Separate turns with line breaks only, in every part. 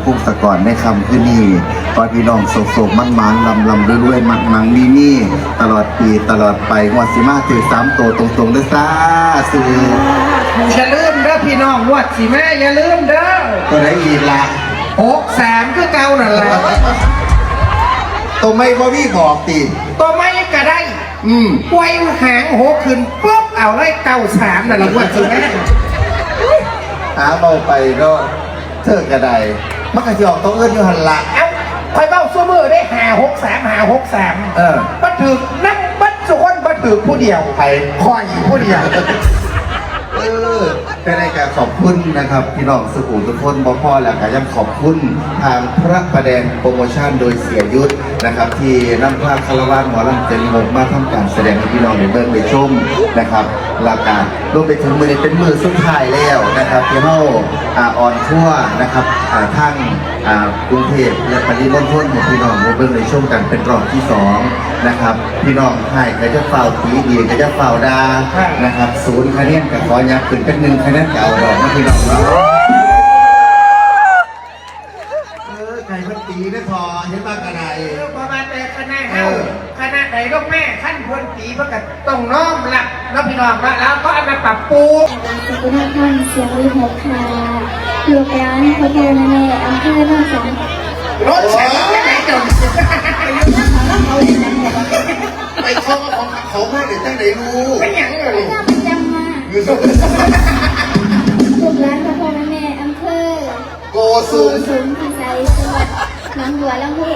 พงศกรในคำคืนนี้ขอพี่น้องโศกมันลำด้วยมันนี่ตลอดปีตลอดไปงวดสิมาถือ3 ตัวตรงๆเลยซ่าสื่อ
อย่าลืมเด้อพี่น้องวัดสิแม่อย่าลืมเด้อ
ตัวไหนอีกละ
63คือเก่านั่นแหละ
ตัวไม่บ่มีบอกตี
ตัวไม่ก็ได้ไว้หาง6ขึ้นปุ๊บเอาได้93นั่นแหละวัดสิแม่
หาเบาไปก็เธอกระไดมักกะสิออกตัวเอื้อนอยู่หันละ
คอยเบ้าซัวมือได้53บัดถือนั่งบัดสุคนบัดถือผู้เดียว
ใคร
คอยผู้เดียว
เป็นรายการขอบคุณนะครับพี่น้องสุขุมทุกคนพ่อแล้วก็ยังขอบคุณทางพระประแดงโปรโมชั่นโดยเสียยุทธนะครับที่นำภาพคารวะหมอลำเจริญวงศ์มาทำการแสดงให้พี่น้องได้เบิ่งได้ชมนะครับรายการรวมไปถึงมือนี้เป็นมือสุดท้ายแล้วนะครับที่เราออนทั่วนะครับทั้งกรุงเทพและปริมณฑลของพี่น้องได้เบิ่งได้ชมกันเป็นรอบที่2นะครับพี่น้องไทยก็จะเฝ้าตีดีก็จะเฝ้าดานะครับ0 คะแนนกับขอยักขึ้นเป็น1 คะแนนเก่าดอกนะพี่น้องเราใครมันตีได้พอเห็นบ้างกันไหน
ประมาณแต่คณะเฮาคณะไหนลูกแม่ขั้นควรตีประกาศต้องน้อมรับแล้วพี่น้องแล้วก็เอามาปรับปรุง
สุขุมท่านเสียงวิหกค่ะลูกร้านพระโพธิ์ในอำเภอโนนสัง
รถแฉไม่ไหนจน
ไปเข้ามาของเขาไม่ได้ตั้งไหนรู้
เป็นอย่างไร
จำมาลูกร้านพระโพธิ์ในอำเภอ
โกสุ
มพิสัยจังหวัดหนองบัวลำพู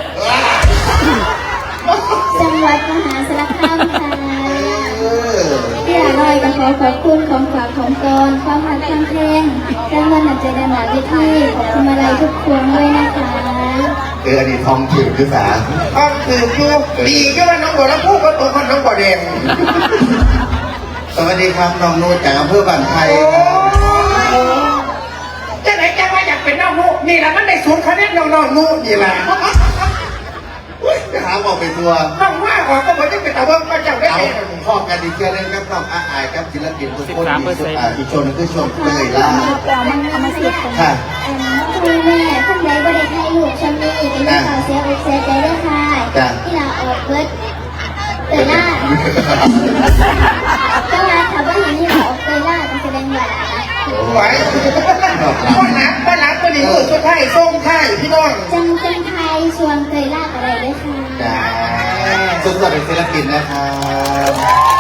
จังหวัดมหาสารคามค่ะที่อร่อยก็ขอบคุณของฝากของตนความหักความเพลงและเงินหนักใจดำหนักที่ขอบคุณมาลัยทุกคนด้วยนะคะ
อันนี้ทองถือคือสา
ทองถือคือดีก็ว่าน้องบัวลำพูก็ตัวคนน้องบัวแดง
สวัสดีครับน้องนูจากอำเภอบ้านไทย
จะไหนจะว่าอยากเป็นน้องนูนี่แหละมันได้0 คะแนนน้องนูนี่แหละ
จะหาบอกไปทัวร์
น้องว่าออกก็เหมือนจะเป็นตะวันก็จะได้
พ่อกันดีเชื่อเล่นกับน้องอายกับศิลปินทุกคนอีกชนคือชนเลยล่ะ
ค่ะคุณแม่ท่านใดบริให้ลูกชมนี่เป็นเรื่องข่าวเสียอกเสียใจด้วยค่ะที่เราออกเบิร์ดเตยล่าก็มาถามว่าอย่างที่เราออกเตยล่าจะแสดงแบบ
ไหวบ้านหลังตัวนี้คือชุดไทยทรงไทยพี่น้อง
จังไทยชวนเตยล่าอะไรด้วยค่ะ
สุดยอดเป็นศิลปินนะครับ